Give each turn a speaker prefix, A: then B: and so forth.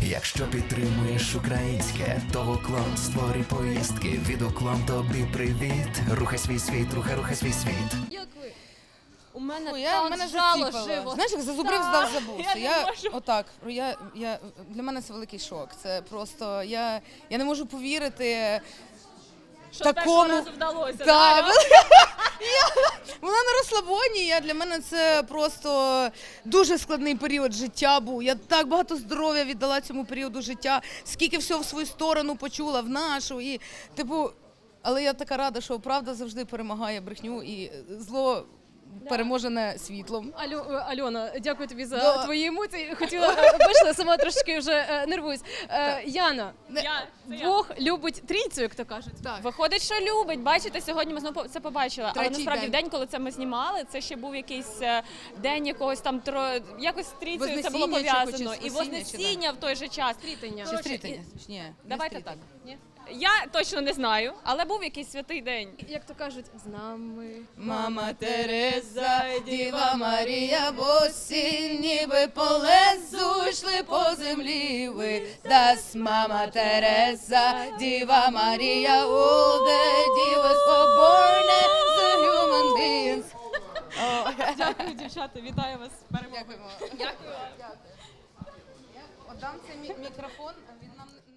A: Якщо підтримуєш українське, то в уклон створюй поїздки. Від уклон тобі привіт. Рухай свій світ, рухай свій світ.
B: Як ви? У мене
C: Мене
B: жало
C: заціпало.
B: живо.
C: Знаєш, як зазубрив, здав, забувся.
B: я не можу.
C: Отак, для мене це великий шок. Це просто, я не можу повірити
B: Що
C: такому...
B: першого разу вдалося.
C: Так,
B: да?
C: вона на розслабоні, для мене це просто дуже складний період життя був. Я так багато здоров'я віддала цьому періоду життя, скільки всього в свою сторону почула, в нашу. І, але я така рада, що правда завжди перемагає брехню і зло переможене світлом.
B: Альона, дякую тобі за
C: Да.
B: твої емоції. Хотіла, вийшла, сама трошки вже нервуюсь. Яна, Бог любить трійцю, як то кажуть.
C: Так.
D: Виходить, що любить. Бачите, сьогодні ми знову це побачили. Але
C: Третій
D: насправді
C: день.
D: в день, коли це ми знімали, це ще був якийсь день якогось там якось з трійцею це було
C: Вознесіння чи
D: пов'язано. І
C: Вознесіння, чи
D: Вознесіння в той же час.
B: Стрітення.
C: Чи стрітення? Ні,
D: Давайте
C: не
D: так.
C: стрітення.
D: Ні? Я точно не знаю, але був якийсь святий день.
B: Як то кажуть, з нами.
C: Мама Тереза, Діва Марія, босі, ніби по лезу йшли по землі ви. Das Мама Тереза, Діва Марія, all the divas were born as the human beings.
D: Дякую, дівчата, вітаю вас з перемогою.
C: Дякуємо. Дякую. Я отдам цей мікрофон, він нам